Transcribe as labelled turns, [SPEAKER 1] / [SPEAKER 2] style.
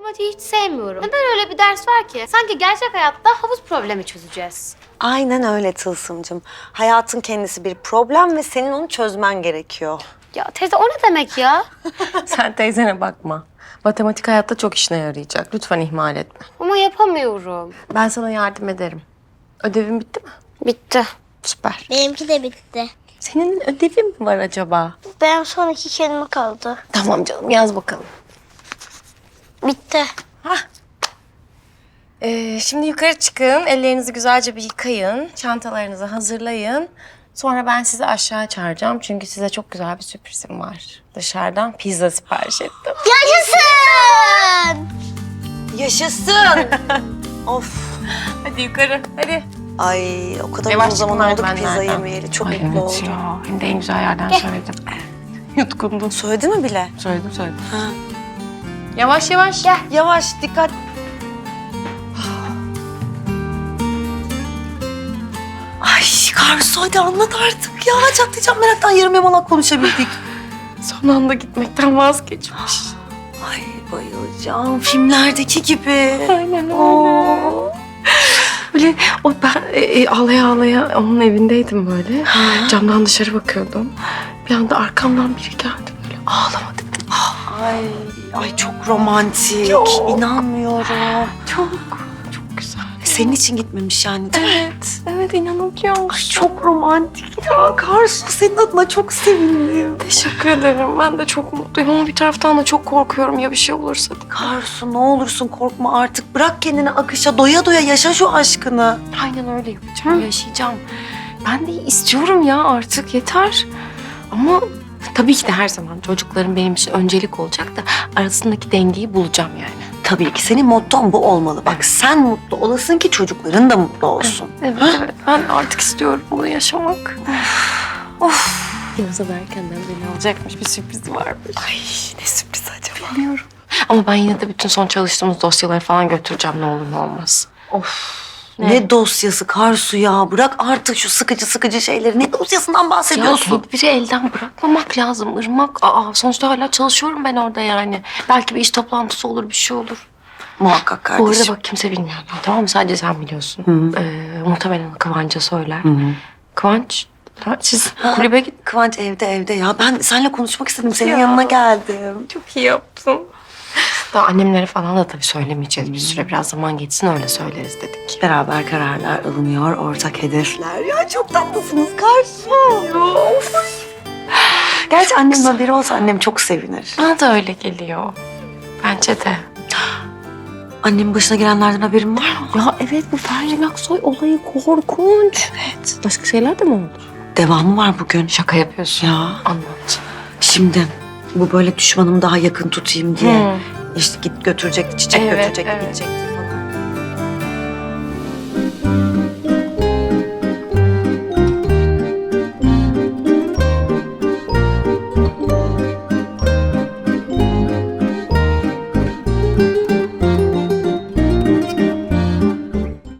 [SPEAKER 1] Matematiği hiç sevmiyorum. Neden öyle bir ders var ki? Sanki gerçek hayatta havuz problemi çözeceğiz.
[SPEAKER 2] Aynen öyle Tılsımcığım. Hayatın kendisi bir problem ve senin onu çözmen gerekiyor.
[SPEAKER 1] Ya teyze o ne demek ya?
[SPEAKER 3] Sen teyzene bakma. Matematik hayatta çok işine yarayacak. Lütfen ihmal etme.
[SPEAKER 1] Ama yapamıyorum.
[SPEAKER 3] Ben sana yardım ederim. Ödevin bitti mi?
[SPEAKER 1] Bitti.
[SPEAKER 3] Süper.
[SPEAKER 4] Benimki de bitti.
[SPEAKER 3] Senin ödevin mi var acaba?
[SPEAKER 4] Benim son 2 kelime kaldı.
[SPEAKER 3] Tamam canım, yaz bakalım.
[SPEAKER 4] Bitti.
[SPEAKER 3] Şimdi yukarı çıkın, ellerinizi güzelce bir yıkayın, çantalarınızı hazırlayın. Sonra ben sizi aşağı çağıracağım çünkü size çok güzel bir sürprizim var. Dışarıdan pizza sipariş ettim.
[SPEAKER 4] Yaşasın!
[SPEAKER 2] Yaşasın! Of.
[SPEAKER 3] Hadi yukarı, hadi.
[SPEAKER 2] Ay o kadar
[SPEAKER 3] Yavaş
[SPEAKER 2] uzun zaman
[SPEAKER 3] çıkın
[SPEAKER 2] oldu ki pizza
[SPEAKER 3] merdivenlerden.
[SPEAKER 2] yemeyeli. Çok
[SPEAKER 3] Ay,
[SPEAKER 2] mutlu
[SPEAKER 3] evet
[SPEAKER 2] oldum.
[SPEAKER 3] ya, hem de en güzel yerden söyledim. Yutkundun.
[SPEAKER 2] Söyledi mi bile?
[SPEAKER 3] Söyledim.
[SPEAKER 2] Ha.
[SPEAKER 3] Yavaş yavaş.
[SPEAKER 2] Gel yavaş dikkat. Ay Karsu hadi anlat artık ya. Çatlayacağım meraktan yarım yamalak konuşabildik.
[SPEAKER 3] Son anda gitmekten vazgeçmiş.
[SPEAKER 2] Ay bayılacağım filmlerdeki gibi.
[SPEAKER 3] Aynen öyle.
[SPEAKER 2] Oo.
[SPEAKER 3] Böyle ben ağlaya ağlaya onun evindeydim böyle. Camdan dışarı bakıyordum. Bir anda arkamdan biri geldi böyle. Ağlama dedi.
[SPEAKER 2] Ay çok romantik.
[SPEAKER 3] Çok.
[SPEAKER 2] İnanmıyorum.
[SPEAKER 3] Çok güzel.
[SPEAKER 2] Senin için gitmemiş yani değil mi?
[SPEAKER 3] Evet inanabiliyor musun?
[SPEAKER 2] Ay çok romantik ya. Karsu senin adına çok sevindim.
[SPEAKER 3] Teşekkür ederim. Ben de çok mutluyum ama bir taraftan da çok korkuyorum ya bir şey olursa diye.
[SPEAKER 2] Karsu ne olursun korkma artık. Bırak kendini akışa doya doya yaşa şu aşkını.
[SPEAKER 3] Aynen öyle yapacağım, yaşayacağım. Ben de istiyorum ya artık yeter. Ama tabii ki de her zaman çocuklarım benim için öncelik olacak da arasındaki dengeyi bulacağım yani.
[SPEAKER 2] Tabii ki senin motton bu olmalı. Bak sen mutlu olasın ki çocukların da mutlu olsun.
[SPEAKER 3] Evet, evet. Ben artık istiyorum bunu yaşamak. Of. Yavuz'a da erkenden beni alacakmış bir sürpriz varmış.
[SPEAKER 2] Ay ne sürpriz acaba?
[SPEAKER 3] Bilmiyorum. Ama ben yine de bütün son çalıştığımız dosyaları falan götüreceğim ne olur ne olmaz.
[SPEAKER 2] Ne dosyası Karsu ya? Bırak artık şu sıkıcı şeyleri. Ne dosyasından
[SPEAKER 3] Ya
[SPEAKER 2] bahsediyorsun?
[SPEAKER 3] tedbiri elden bırakmamak lazım Irmak. Sonuçta hala çalışıyorum ben orada yani. Belki bir iş toplantısı olur, bir şey olur.
[SPEAKER 2] Muhakkak
[SPEAKER 3] Bu arada
[SPEAKER 2] kardeşim.
[SPEAKER 3] bak kimse bilmiyor. Tamam mı? Sadece sen biliyorsun. Muhtemelen Kıvanç'a söyler. Kıvanç, siz kulübe git.
[SPEAKER 2] Kıvanç evde ya. Ben seninle konuşmak istedim. Senin
[SPEAKER 3] Ya.
[SPEAKER 2] yanına geldim.
[SPEAKER 3] Çok iyi yaptın. Daha annemlere falan da tabii söylemeyeceğiz bir süre. Biraz zaman geçsin öyle söyleriz dedik.
[SPEAKER 2] Beraber kararlar alınıyor. Ortak hedefler. Ya çok tatlısınız Karsu. Gerçi annemin haberi olsa annem çok sevinir.
[SPEAKER 3] Bana da öyle geliyor. Bence de.
[SPEAKER 2] Annemin başına gelenlerden haberin var mı?
[SPEAKER 3] Ya evet bu Ferdi Aksoy olayı korkunç. Evet. Başka şeyler de mi oldu?
[SPEAKER 2] Devamı var bugün.
[SPEAKER 3] Şaka yapıyorsun.
[SPEAKER 2] Ya.
[SPEAKER 3] Anlat.
[SPEAKER 2] Şimdi bu böyle düşmanımı daha yakın tutayım diye. İşte git götürecekti, çiçek
[SPEAKER 3] Evet,
[SPEAKER 2] götürecekti,
[SPEAKER 3] evet.
[SPEAKER 2] gidecekti falan.